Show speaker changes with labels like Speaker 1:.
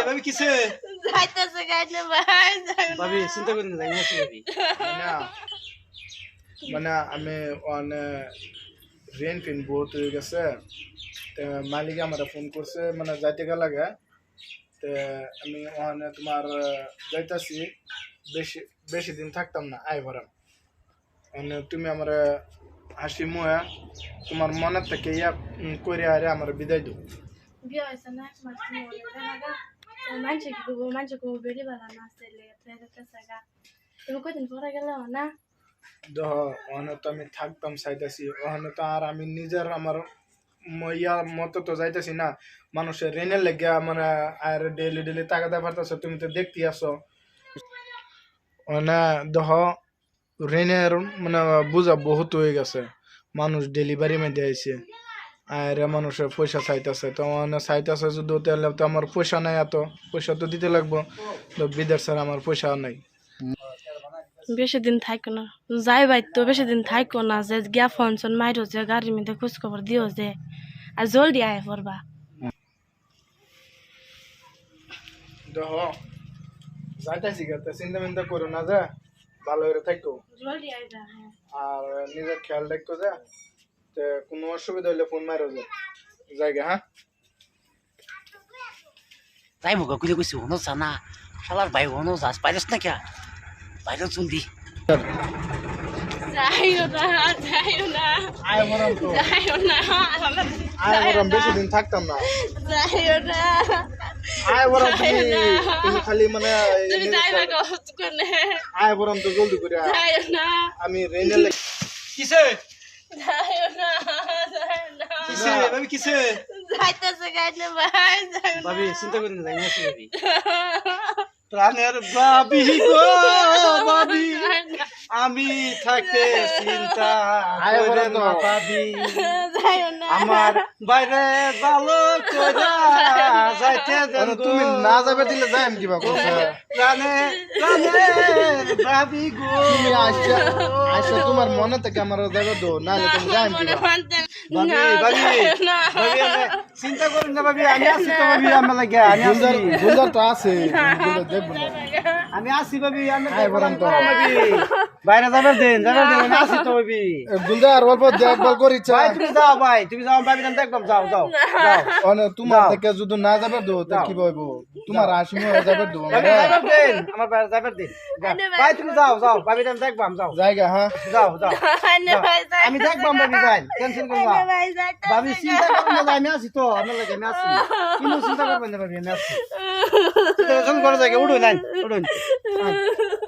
Speaker 1: ভাবি কিসে
Speaker 2: যাইতেছে গাইলে ভাই
Speaker 1: ভাবি চিন্তা করেন না যাই আছি ভাবি
Speaker 3: না মানে আমি রেন ফিন বহুত হয়ে গেছে মালিক আমার ফোন করছে মানে যাইতে গেল লাগে আমি ওখানে তোমার যাইতাছি বেশি বেশি দিন থাকতাম না আই ভরাম মানে তুমি আমার হাসি মুয়া তোমার মনের থেকে ইয়া করে আরে আমার বিদায় দাও
Speaker 2: বিয়ে হয়েছে না এক মাস মানুষ কি করবো মানুষ করবো বেরিয়ে বেলা না আসলে তুমি কদিন পরে গেলে না
Speaker 3: দেহ ওখানে তো আমি থাকতাম চাইতেছি ওখানে তো আর আমি নিজের আমার ইয়া মতো তো যাইতেছি না মানুষের রেনের লেগে মানে আর ডেলি ডেলি টাকা দেওয়া পারতেছো তুমি তো দেখতে আসো মানে দেহ রেনের মানে বোঝা বহুত হয়ে গেছে মানুষ ডেলিভারি মধ্যে আইছে আর মানুষের পয়সা চাইতেছে তো মানে চাইতেছে যদি তাহলে তো আমার পয়সা নাই এত পয়সা তো দিতে লাগবো তো বিদেশ স্যার আমার পয়সা নাই
Speaker 2: বেশি দিন থাকো না যাই ভাই তো বেশি দিন থাকো না যে গিয়া ফোন শোন মাইরো যে গাড়ির মধ্যে খোঁজ খবর দিও যে আর জলদি আয় পড়বা
Speaker 3: দেহ যাইতেছি গা চিন্তা মিন্তা করো না যা ভালো করে থাকো
Speaker 2: জলদি আয় যা
Speaker 3: আর নিজের খেয়াল রাখতো যা কোনো অসুবিধা হইলে ফোন মারো যা জায়গা হ্যাঁ
Speaker 4: তাই মুখ গুলি কইছি হনো জানা শালার ভাই হনো যাস পাইরস না কে বাইরে জলদি
Speaker 2: যাইও না
Speaker 3: আয় মরম তো
Speaker 2: যাইও না
Speaker 3: আয় মরম বেশি দিন থাকতাম না
Speaker 2: যাইও না
Speaker 3: আয় মরম তুমি খালি মানে
Speaker 2: তুমি যাইবা কষ্ট করে
Speaker 3: আয় মরম তো জলদি করে আয়।
Speaker 2: যাইও না
Speaker 3: আমি রেনে
Speaker 1: কিসে
Speaker 2: যাইও না
Speaker 1: কিসে ভাবি কিসে
Speaker 2: যাইতেছে গাইলে ভাই
Speaker 1: ভাবি চিন্তা করেন না যাই আছি ভাবি প্রাণের ভাবি গো ভাবি আমি থাকতে চিন্তা করে না ভাবি
Speaker 2: যাইও না
Speaker 1: আমার বাইরে ভালো করে যাইতে দেন
Speaker 3: তুমি না যাবে দিলে যাই আমি কিবা করছে
Speaker 1: প্রাণে প্রাণের ভাবি গো
Speaker 3: তুমি আইসা আইসা তোমার মনে থেকে আমার যাবে দো না তুমি যাই আমি কিবা
Speaker 1: ভাবি ভাবি ভাবি আমি চিন্তা করেন না ভাবি আমি আছি তো ভাবি আমার লাগে আমি আছি
Speaker 3: বুঝার তো আছে বুঝে দেখবো না
Speaker 1: আমি আছি ভাবি আমি
Speaker 3: আয় বরং তো।
Speaker 1: ভাবি বাইরে যাবার দেন আমি আছি তো ভাবি
Speaker 3: বুঝার অল্প দেখভাল করিছে
Speaker 1: ভাই তুমি যাও ভাবি দেন একদম যাও যাও যাও
Speaker 3: তোমার থেকে যদি না যাবে দো তা কি বলব তোমার আসি মনে যাবে দো
Speaker 1: ভাবি যাবার দেন আমার বাইরে যাবার দেন ভাই তুমি যাও যাও ভাবি দেন দেখবাম যাও
Speaker 3: জায়গা হ্যাঁ
Speaker 1: যাও যাও আমি দেখবাম ভাবি যাই টেনশন করো না ভাবি চিন্তা করবেন না আমি আছি তো আপনার লাগে আমি আছি কিন্তু চিন্তা করবেন না ভাবি আমি আছি টেনশন করে জায়গা উঠুন উঠুন